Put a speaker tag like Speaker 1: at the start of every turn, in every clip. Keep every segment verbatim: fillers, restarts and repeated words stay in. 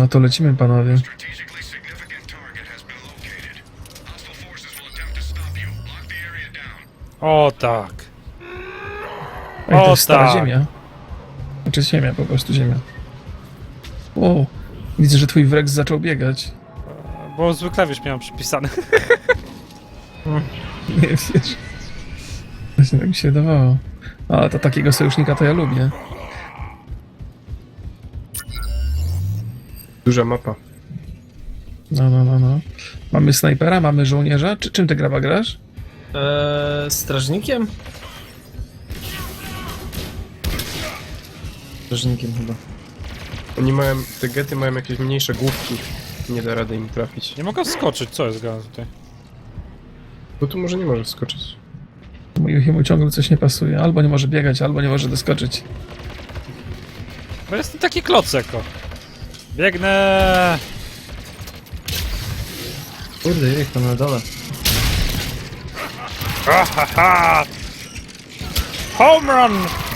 Speaker 1: No to lecimy, panowie.
Speaker 2: O tak.
Speaker 1: Ej, to
Speaker 2: O,
Speaker 1: jest stara
Speaker 2: tak.
Speaker 1: ziemia. Znaczy ziemia, po prostu ziemia. O, widzę, że twój Wrex zaczął biegać.
Speaker 2: Bo zły klawisz miałem przypisany.
Speaker 1: Nie wiesz. Właśnie tak mi się wydawało. Ale to takiego sojusznika to ja lubię.
Speaker 3: Duża mapa.
Speaker 1: No, no, no, no. Mamy snajpera, mamy żołnierza. Czy, czym ty, Graba, grasz?
Speaker 4: Eee, strażnikiem? Strażnikiem chyba.
Speaker 3: Oni mają, te gety mają jakieś mniejsze główki. Nie da rady im trafić.
Speaker 2: Nie mogę skoczyć, co jest grane tutaj?
Speaker 3: Bo tu może nie możesz skoczyć.
Speaker 1: Jemu ciągle coś nie pasuje. Albo nie może biegać, albo nie może doskoczyć.
Speaker 2: Bo jest taki klocek, o. Biegnę!
Speaker 4: Kurde, jak tam na dole.
Speaker 2: Ha, ha, ha! Home run!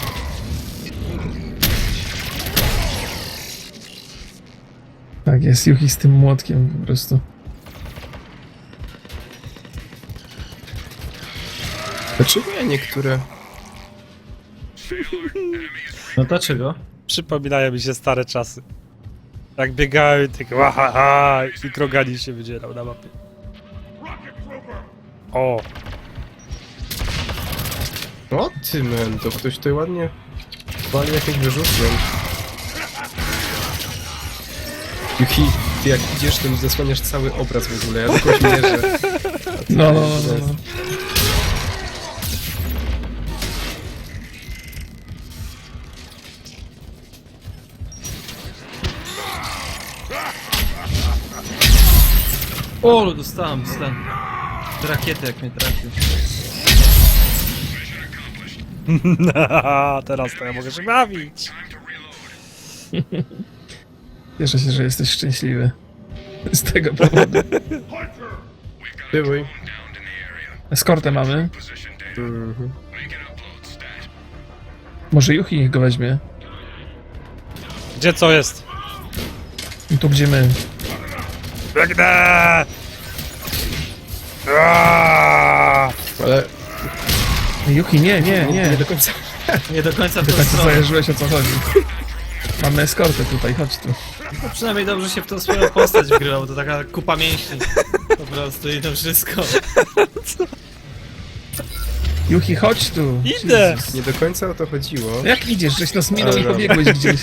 Speaker 1: Tak jest, Yuki z tym młotkiem po prostu.
Speaker 3: Dlaczego ja niektóre...
Speaker 4: No dlaczego?
Speaker 2: Przypominają mi się stare czasy. Jak biegałem, tak ha, ha, ha, i krogani się wydzierał na mapie. O!
Speaker 3: O ty men, to ktoś tutaj ładnie wali jakieś wyrzutnie. Yuki, ty jak idziesz, to mi zasłaniasz cały obraz w ogóle, ja tylko śmierzę.
Speaker 1: No, no, no, no, no.
Speaker 4: O, ale dostałem, dostałem. Rakiety jak mnie trafił.
Speaker 2: Teraz to ja mogę się bawić.
Speaker 1: Cieszę się, że jesteś szczęśliwy. Z tego powodu.
Speaker 3: Były.
Speaker 1: Eskortę mamy.
Speaker 3: Mhm.
Speaker 1: Może Yuki niech go weźmie.
Speaker 2: Gdzie co jest?
Speaker 1: I tu gdzie my.
Speaker 2: Biegnę! Aaaa!
Speaker 3: Ale
Speaker 1: Yuki, nie, nie,
Speaker 3: nie,
Speaker 1: nie.
Speaker 3: nie do końca.
Speaker 4: Nie do końca w
Speaker 1: Do
Speaker 4: tą
Speaker 1: końca
Speaker 4: stronę.
Speaker 1: zajarzyłeś, o co chodzi. Mamy eskortę tutaj, chodź tu.
Speaker 4: No, przynajmniej dobrze się w tą swoją postać wgrywał, bo to taka kupa mięśni. Po prostu i to wszystko.
Speaker 1: Yuki, chodź tu.
Speaker 2: Idę!
Speaker 1: Jezus.
Speaker 3: Nie do końca o to chodziło.
Speaker 1: Jak idziesz? Żeś nas minął i
Speaker 3: Dobra.
Speaker 1: pobiegłeś gdzieś.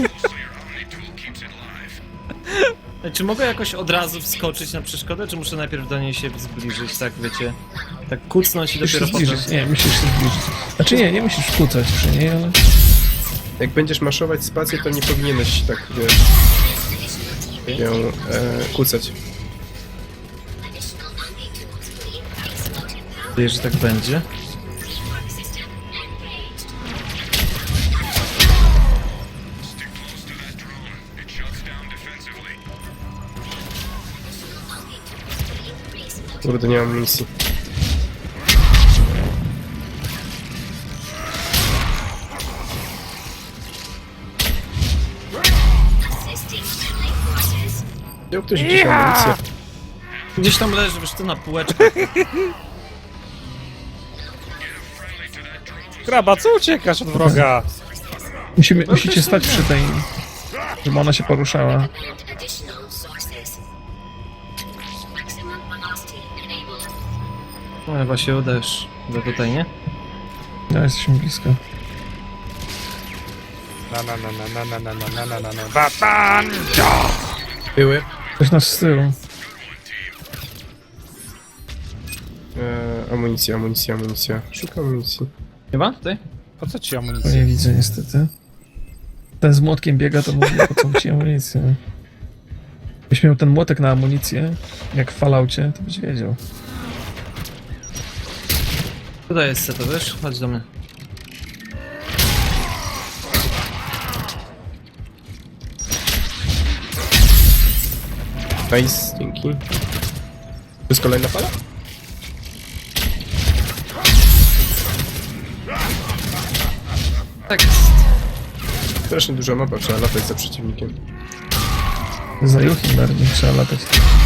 Speaker 4: Ej, Czy mogę jakoś od razu wskoczyć na przeszkodę, czy muszę najpierw do niej się zbliżyć, tak wiecie? Tak kucnąć i
Speaker 1: Musisz się
Speaker 4: dopiero potem...
Speaker 1: zbliżyć. Nie, musisz się zbliżyć. Znaczy nie, nie musisz kucać przy niej, ale...
Speaker 3: Jak będziesz maszować spację, to nie powinieneś tak, wiesz, ją e, kucać.
Speaker 4: Wiesz, że tak będzie?
Speaker 3: Kurde, nie mam amunicji. Wziął ktoś gdzieś amunicję.
Speaker 4: Gdzieś tam leży, wiesz, tu na półeczkę.
Speaker 2: Graba, co uciekasz od wroga?
Speaker 1: Musimy, musicie stać przy tej... Żeby ona się poruszała.
Speaker 4: No chyba się uda już do tutaj, nie?
Speaker 1: No, jesteśmy blisko.
Speaker 2: Na na na na na na na na na na na ba banjo!
Speaker 3: Były.
Speaker 1: Ktoś nas z tyłu.
Speaker 3: E, amunicja, amunicja, amunicja. Szukam amunicji.
Speaker 4: Chyba? Tutaj?
Speaker 2: Po co ci
Speaker 1: To
Speaker 2: amunicja?
Speaker 1: nie widzę niestety. Ten z młotkiem biega, to mówi, po co mu ci amunicję. Byś miał ten młotek na amunicję, jak w Falloutie, to byś wiedział.
Speaker 4: Tutaj jest seto, wiesz? Chodź do mnie.
Speaker 3: Nice, dzięki. To jest kolejna fala?
Speaker 4: Tak jest.
Speaker 3: Strasznie duża mapa, trzeba latać za przeciwnikiem.
Speaker 1: Za Juchim bardziej trzeba latać.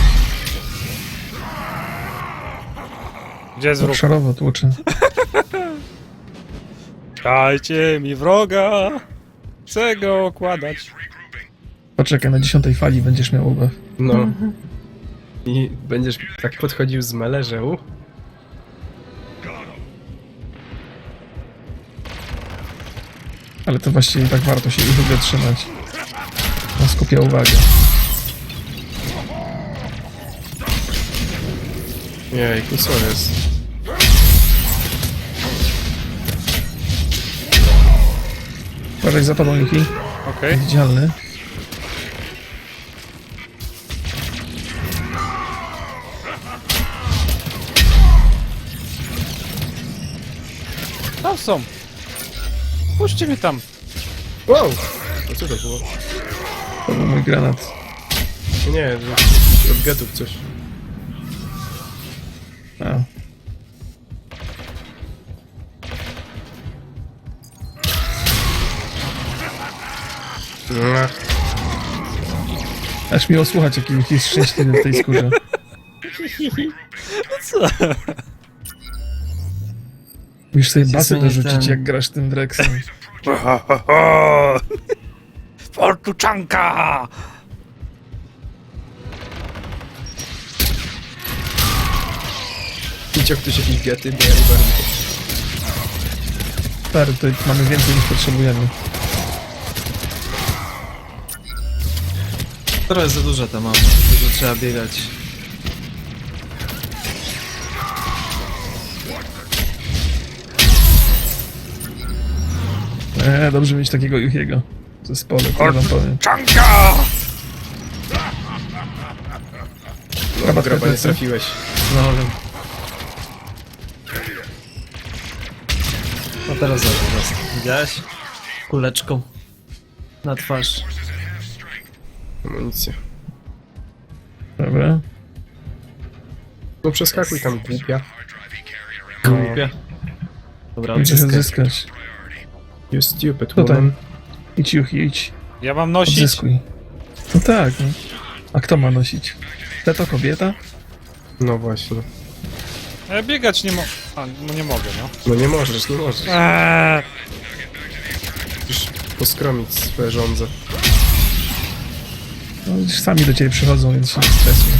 Speaker 2: Gdzie jest wróg?
Speaker 1: Obszarowo tłucze.
Speaker 2: Dajcie mi wroga! Chcę go okładać.
Speaker 1: Poczekaj, na dziesiątej fali będziesz miał ubaw.
Speaker 3: No. I będziesz tak podchodził z melerzeł.
Speaker 1: Ale to właściwie tak warto się ich lubię trzymać. On skupia uwagę.
Speaker 3: Jejku, co jest?
Speaker 1: Uważaj za tobą, Yuki.
Speaker 2: Okej.
Speaker 1: Widzialny.
Speaker 2: Tam są. Puśćcie mnie tam.
Speaker 3: Wow! A co to było?
Speaker 1: To był mój granat.
Speaker 3: Nie, że od getów coś.
Speaker 1: A.
Speaker 3: No.
Speaker 1: Aż miło słuchać, jaki Yuki jest szczęśliwy w tej skórze.
Speaker 2: Co?
Speaker 1: Musisz sobie basy
Speaker 4: Zmienię
Speaker 1: dorzucić,
Speaker 4: ten-
Speaker 1: jak grasz tym Drexem.
Speaker 2: Fortuczanka!
Speaker 3: Widział ktoś jakieś gety? Bo ja nie bardzo.
Speaker 1: Stary, tutaj mamy więcej niż potrzebujemy.
Speaker 4: Trochę za duża ta mapa, dużo trzeba biegać.
Speaker 1: Eee, dobrze mieć takiego Yukiego w zespole, to wam powiem.
Speaker 2: Czanka!
Speaker 3: Graba, graba, nie
Speaker 1: plecy.
Speaker 3: trafiłeś.
Speaker 4: No wiem. No teraz dobrze, teraz. Widziałeś? Kuleczką. Na twarz.
Speaker 3: Amunicja.
Speaker 1: Dobra.
Speaker 3: No przeskakuj tam, głupia.
Speaker 4: Głupia. Dobra,
Speaker 1: Muszę się
Speaker 4: odzyskaj.
Speaker 1: odzyskać.
Speaker 3: You stupid
Speaker 1: Tutaj.
Speaker 3: woman.
Speaker 1: Idź, Yuki, idź.
Speaker 2: Ja mam nosić.
Speaker 1: Odzyskuj. No tak, no. A kto ma nosić? Te to kobieta?
Speaker 3: No właśnie.
Speaker 2: Ja biegać nie mogę. A, no nie mogę, no.
Speaker 3: No nie możesz, nie możesz.
Speaker 2: Eee,
Speaker 3: Musisz poskromić swoje żądze.
Speaker 1: No, już sami do ciebie przychodzą, więc się nie stresuj.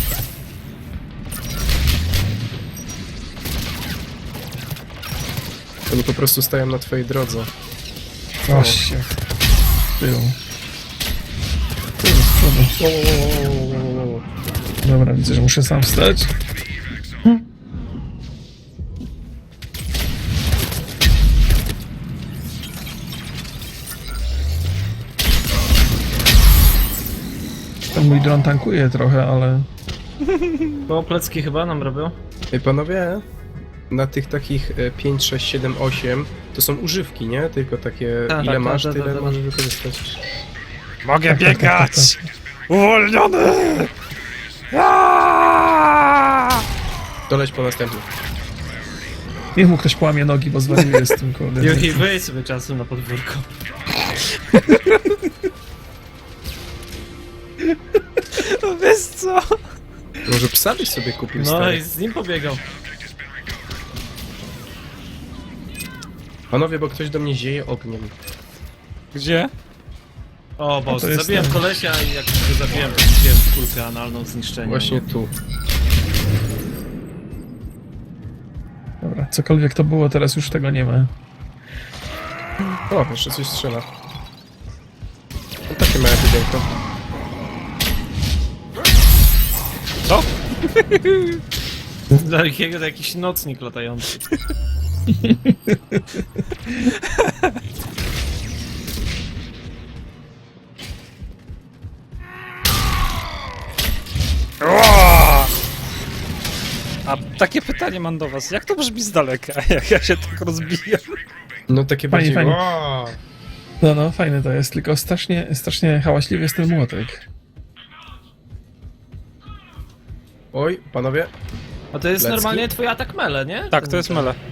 Speaker 3: Oni po prostu stają na twojej drodze.
Speaker 1: Oście. Tył. Tył, z przodu. Dobra, widzę, że muszę sam wstać. Ten mój dron tankuje trochę, ale...
Speaker 4: Bo plecki chyba nam robią.
Speaker 3: Ej, panowie, na tych takich e, pięć, sześć, siedem, osiem to są używki, nie? Tylko takie,
Speaker 4: Tak,
Speaker 3: ile
Speaker 4: tak,
Speaker 3: masz,
Speaker 4: tak,
Speaker 3: tyle
Speaker 4: tak, tak.
Speaker 3: możesz wykorzystać.
Speaker 2: mogę
Speaker 1: Tak, tak, tak,
Speaker 2: biegać!
Speaker 1: tak,
Speaker 2: Uwolniony! Aaaa!
Speaker 3: Doleć po następny.
Speaker 1: Niech mu ktoś połamie nogi, bo zwariuje z tym kodem.
Speaker 4: Juhi, wyjdź sobie czasem na podwórko.
Speaker 2: No wiesz co?
Speaker 3: Może psa byś sobie kupił,
Speaker 4: No
Speaker 3: stary.
Speaker 4: i z nim pobiegał.
Speaker 3: Panowie, bo ktoś do mnie zieje ogniem.
Speaker 2: Gdzie?
Speaker 4: O
Speaker 1: to
Speaker 4: Boże,
Speaker 1: jest
Speaker 4: zabiłem
Speaker 1: ten.
Speaker 4: kolesia i jak go zabiłem, to wziąłem kulkę analną zniszczenia.
Speaker 3: Właśnie tu.
Speaker 1: Dobra, cokolwiek to było, teraz już tego nie ma.
Speaker 3: O, jeszcze coś strzela. No, takie małe pudełko.
Speaker 2: Co?
Speaker 4: Dla jakiego to jakiś nocnik latający.
Speaker 2: Aaaa! A takie pytanie mam do was. Jak to brzmi z daleka, jak ja się tak rozbijam?
Speaker 3: No takie
Speaker 1: Fajnie,
Speaker 3: bardziej...
Speaker 1: fajnie.
Speaker 3: Wow.
Speaker 1: No, no, fajne to jest, tylko strasznie, strasznie hałaśliwy jest ten młotek.
Speaker 3: Oj, panowie.
Speaker 4: A to jest
Speaker 3: Lecki?
Speaker 4: normalnie twój atak mele, nie?
Speaker 2: Tak, to jest mele.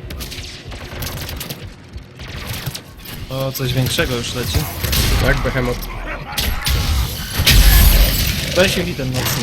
Speaker 4: O, coś większego już leci.
Speaker 3: Tak, behemoth.
Speaker 4: Daj się ten mocny.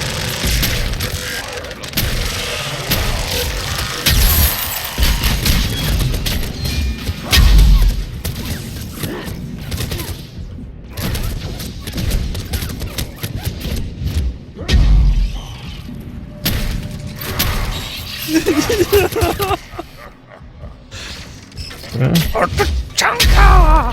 Speaker 1: Dobra.
Speaker 2: Czanka!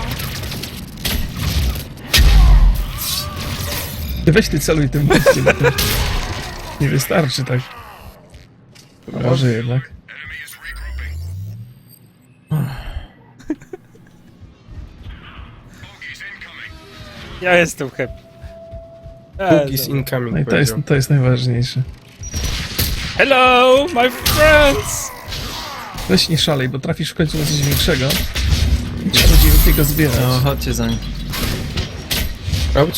Speaker 1: Ty weź ty celuj tym mocniej, bo to nie wystarczy tak. Może jednak.
Speaker 2: Ja jestem happy.
Speaker 3: Boogies incoming,
Speaker 1: No i to jest,
Speaker 3: powiedział.
Speaker 1: to jest najważniejsze.
Speaker 2: Hello, my friends!
Speaker 1: Weź nie szalej, bo trafisz w końcu na coś większego. I trzeba będzie wielkiego zbierać.
Speaker 4: No, chodźcie za nim.
Speaker 3: Auć.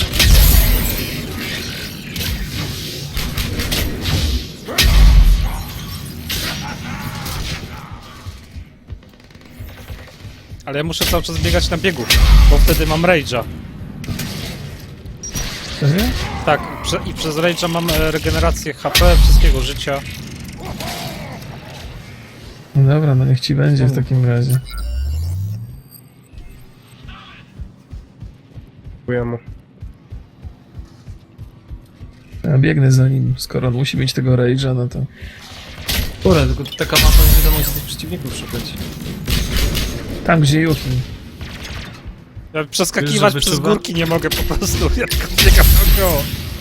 Speaker 2: Ale ja muszę cały czas biegać na biegu, bo wtedy mam rage'a.
Speaker 1: Serio?
Speaker 2: Tak, i prze, i przez rage'a mam e, regenerację H P, wszystkiego życia.
Speaker 1: No dobra, no niech ci będzie w takim razie.
Speaker 3: Dziękuję mu.
Speaker 1: Ja biegnę za nim, skoro on musi mieć tego rage'a, no to...
Speaker 4: Kurde, tylko taka mapa nie wiadomo gdzie tych przeciwników szukać.
Speaker 1: Tam, gdzie Yuki.
Speaker 2: Ja
Speaker 4: Wiesz,
Speaker 2: przeskakiwać
Speaker 4: że
Speaker 2: przez
Speaker 4: wyczuwa?
Speaker 2: górki nie mogę po prostu, ja tylko biegam naokoło.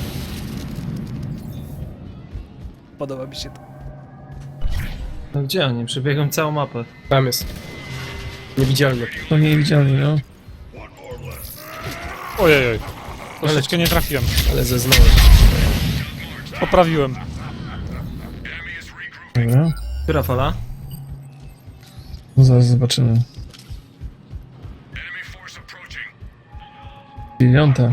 Speaker 2: Podoba mi się to.
Speaker 4: No gdzie oni? Przebiegłem całą mapę.
Speaker 3: Tam jest. Niewidzialny.
Speaker 1: To niewidzialnie, no.
Speaker 2: Ojej, troszeczkę nie trafiłem.
Speaker 3: Ale zeznałem.
Speaker 2: Poprawiłem.
Speaker 1: Dobra.
Speaker 4: Która fala?
Speaker 1: No zaraz zobaczymy. Dziewiąta.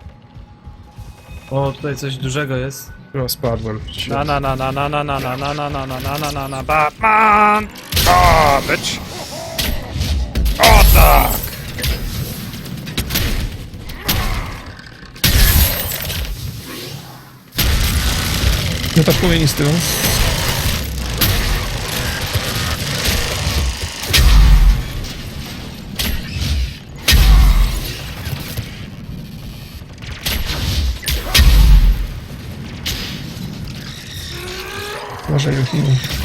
Speaker 4: O, tutaj coś dużego jest.
Speaker 3: No, spadłem.
Speaker 2: Na na na na na na na na na na na na na na na na Batman! O, być! O tak!
Speaker 1: No to płomieni z tyłu. Może Yuki.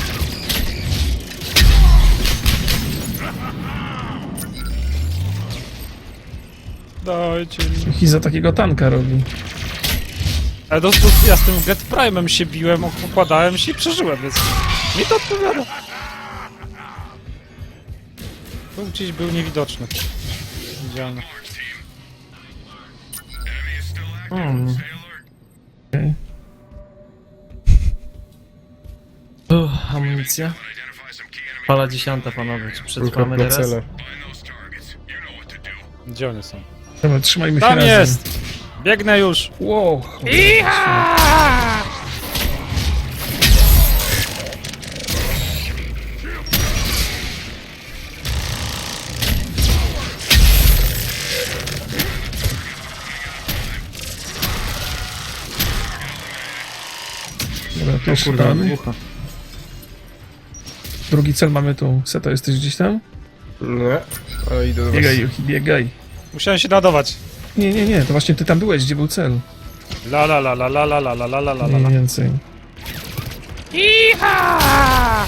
Speaker 2: Dajcie mi.
Speaker 1: Yuki za takiego tanka robi.
Speaker 2: Ale to, to ja z tym Get Prime'em się biłem, układałem się i przeżyłem, więc mi to odpowiada. Tu gdzieś był niewidoczny. Widzialny.
Speaker 4: Hmm.
Speaker 1: Okay.
Speaker 4: Uff, amunicja. Fala dziesiąta, panowie. Czy przetrwamy
Speaker 3: Konkretne
Speaker 4: teraz?
Speaker 3: cele.
Speaker 2: Gdzie one są?
Speaker 1: Dobra, trzymajmy się
Speaker 2: Tam
Speaker 1: razem.
Speaker 2: jest! Biegnę już!
Speaker 1: Wow. Dobra, pierwszy
Speaker 4: Kurde,
Speaker 1: dany.
Speaker 4: ucha.
Speaker 1: Drugi cel mamy tu. Seto, jesteś gdzieś tam?
Speaker 3: Nie, ale idę do was.
Speaker 1: Biegaj, Yuki, biegaj.
Speaker 2: Musiałem się naładować.
Speaker 1: Nie, nie, nie, to właśnie ty tam byłeś, gdzie był cel.
Speaker 2: La la la la la la la la la la la
Speaker 1: Mniej
Speaker 2: la.
Speaker 1: więcej.
Speaker 2: Iha!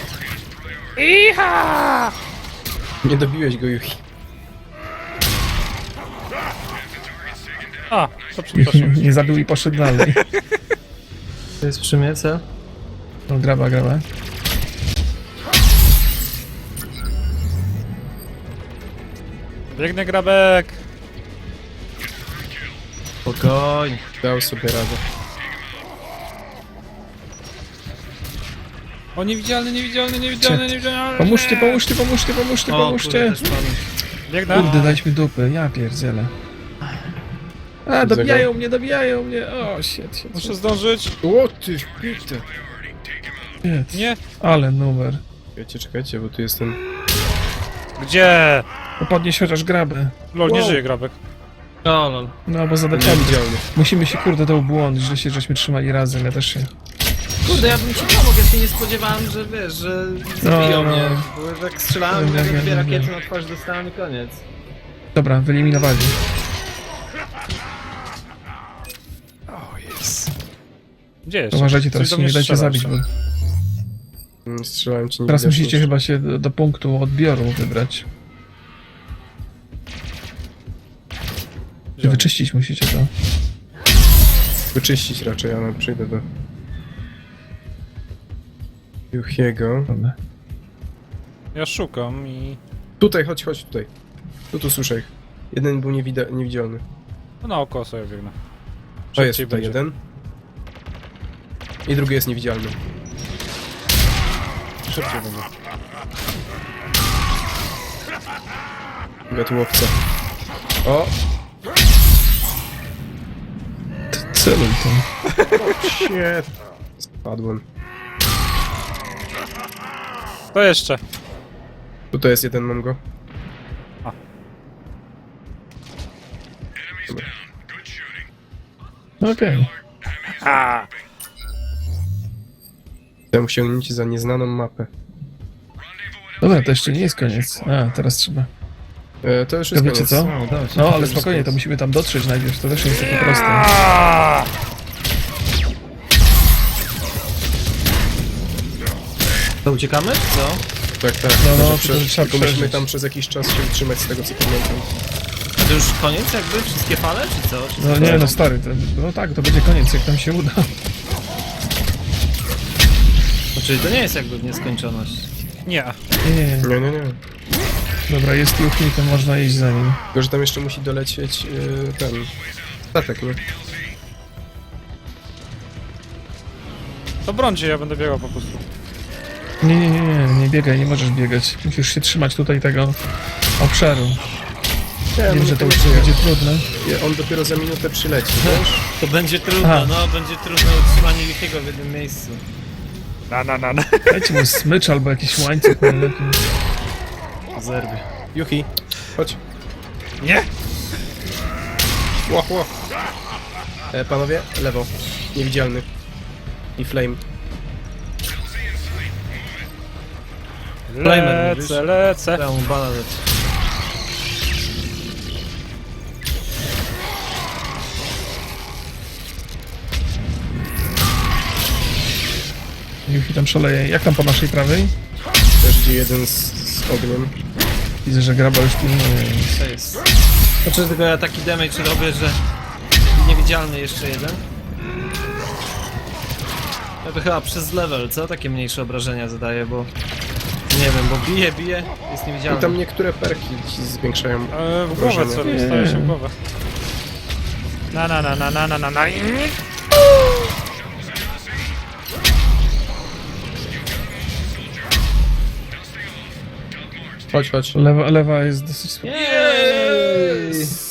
Speaker 2: Iha!
Speaker 3: Nie dobiłeś go, Yuki.
Speaker 2: A, to
Speaker 1: Yuki
Speaker 2: przepraszam.
Speaker 1: nie zabił i poszedł dalej.
Speaker 4: To jest przy mnie cel?
Speaker 1: No, graba, graba.
Speaker 2: Biegnę, grabek!
Speaker 4: Spokojnie.
Speaker 3: Dał sobie radę.
Speaker 2: O, niewidzialny, niewidzialny, niewidzialny, niewidzialny!
Speaker 1: Pomóżcie, pomóżcie, pomóżcie, pomóżcie,
Speaker 4: O, kurde,
Speaker 1: pomóżcie.
Speaker 4: też padłem.
Speaker 2: Biegnę!
Speaker 1: Kurde, daliśmy dupy, ja pierdzielę. A, dobijają mnie, dobijają mnie. O, shit, shit,
Speaker 2: Muszę
Speaker 1: shit.
Speaker 2: zdążyć.
Speaker 3: O ty, pite.
Speaker 1: shit.
Speaker 2: Nie?
Speaker 1: Ale numer.
Speaker 3: Czekajcie, czekajcie, bo tu jestem...
Speaker 2: Gdzie?
Speaker 1: No podnieś chociaż grabę.
Speaker 2: Lol, nie
Speaker 3: Wow.
Speaker 2: żyje grabek.
Speaker 4: O lol.
Speaker 1: No bo zadeptali.
Speaker 3: Niewidzialny.
Speaker 1: Musimy się, kurde, to był błąd, że się żeśmy trzymali razem, ja też się...
Speaker 4: Kurde, ja bym ci pomógł, ja się nie spodziewałem, że wiesz, że zabiją
Speaker 1: No, no.
Speaker 4: mnie. Bo jak strzelałem,
Speaker 1: Wiem,
Speaker 4: to
Speaker 1: wiem,
Speaker 4: dwie
Speaker 1: wiem,
Speaker 4: rakiety
Speaker 1: wiem.
Speaker 4: na twarz dostałem i koniec.
Speaker 1: Dobra, wyeliminowali.
Speaker 2: O, jest. Gdzie jeszcze?
Speaker 1: Uważajcie,
Speaker 2: Coś
Speaker 1: teraz
Speaker 2: do
Speaker 1: się
Speaker 2: mnie
Speaker 1: nie dajcie
Speaker 2: strzela
Speaker 1: zabić,
Speaker 2: jeszcze.
Speaker 1: bo
Speaker 3: Mm, Strzelałem ci nie
Speaker 1: teraz
Speaker 3: widać
Speaker 1: musicie
Speaker 3: już.
Speaker 1: chyba się do, do punktu odbioru wybrać.
Speaker 2: Gdzie on?
Speaker 1: Wyczyścić musicie to.
Speaker 3: Wyczyścić raczej, ale przyjdę do... Juchiego.
Speaker 1: Dobra.
Speaker 2: Ja szukam i...
Speaker 3: Tutaj, chodź, chodź tutaj. Tu, tu słyszę ich. Jeden był niewida- niewidzialny.
Speaker 2: No na oko sobie biegnę.
Speaker 3: To jest
Speaker 2: Szybciej
Speaker 3: tutaj
Speaker 2: będzie.
Speaker 3: jeden. I drugi jest niewidzialny.
Speaker 2: Szybciej będzie.
Speaker 3: Gatułowca. O!
Speaker 1: Celuj tym.
Speaker 3: Shit! Spadłem.
Speaker 2: To jeszcze.
Speaker 3: Tutaj jest jeden, mam go.
Speaker 2: A.
Speaker 3: Dobra.
Speaker 1: Okej.
Speaker 2: A!
Speaker 3: Chciałem sięgnąć za nieznaną mapę.
Speaker 1: Dobra, to jeszcze nie jest koniec. A, teraz trzeba.
Speaker 3: E, to już
Speaker 1: To
Speaker 3: jest
Speaker 1: wiecie
Speaker 3: koniec.
Speaker 1: co?
Speaker 4: No, dawaj.
Speaker 1: No, ale spokojnie, to musimy tam dotrzeć najpierw, to też nie jest takie proste.
Speaker 2: A!
Speaker 4: To uciekamy, czy co?
Speaker 3: Tak, tak.
Speaker 1: No, no,
Speaker 3: Może
Speaker 1: to
Speaker 3: prze-
Speaker 1: trzeba
Speaker 3: tylko musimy
Speaker 1: przeżyć.
Speaker 3: tam przez jakiś czas się utrzymać z tego, co pamiętam.
Speaker 4: A to już koniec jakby? Wszystkie fale, czy co? Czy
Speaker 1: No
Speaker 4: co?
Speaker 1: nie, no stary, to, no tak, to będzie koniec, jak tam się uda.
Speaker 4: No, czyli to nie jest jakby nieskończoność.
Speaker 2: Nie.
Speaker 1: Nie, nie, nie.
Speaker 3: Nie, nie, nie.
Speaker 1: Dobra, jest Juchi, to można iść za nim.
Speaker 3: Tylko, że tam jeszcze musi dolecieć yy, ten... statek, nie?
Speaker 2: To brońcie, ja będę biegał po prostu.
Speaker 1: Nie, nie, nie, nie, nie biegaj, nie możesz biegać. Musisz się trzymać tutaj tego obszaru.
Speaker 3: Nie,
Speaker 1: Wiem,
Speaker 3: no
Speaker 1: że to
Speaker 3: to
Speaker 1: już
Speaker 3: nie.
Speaker 1: będzie trudne.
Speaker 3: Nie, on dopiero za minutę przyleci, wiesz?
Speaker 4: To będzie trudno,
Speaker 1: Aha.
Speaker 4: no, będzie trudne utrzymanie Juchiego w jednym miejscu.
Speaker 2: Na, na, na, na.
Speaker 1: Dajcie mu smycz albo jakiś łańcuch najlepiej.
Speaker 4: Zerwie.
Speaker 3: Juchi, chodź.
Speaker 2: Nie!
Speaker 3: Ło, ło. E, panowie, lewo. Niewidzialny. I flame.
Speaker 4: Flamer, mówisz?
Speaker 2: Lecę, lecę.
Speaker 4: Ja mu bana dać.
Speaker 1: Juchi tam szaleje. Jak tam po naszej prawej?
Speaker 3: Też idzie jeden z, z ogniem.
Speaker 1: Widzę, że graba już pilnuje.
Speaker 4: To jest. Znaczy tylko ja taki damage robię, że niewidzialny jeszcze jeden. Ja to chyba przez level, co? Takie mniejsze obrażenia zadaje, bo... Nie wiem, bo bije, bije, jest
Speaker 3: I
Speaker 4: niewidzialny.
Speaker 3: tam niektóre perki ci zwiększają
Speaker 2: E, w głowę
Speaker 3: obrażenia.
Speaker 2: co
Speaker 1: Nie.
Speaker 2: staje się w głowę. Na, na, na, na, na, na, na, na.
Speaker 3: Chodź, chodź.
Speaker 1: Lewa, lewa jest dosyć...
Speaker 4: Jej!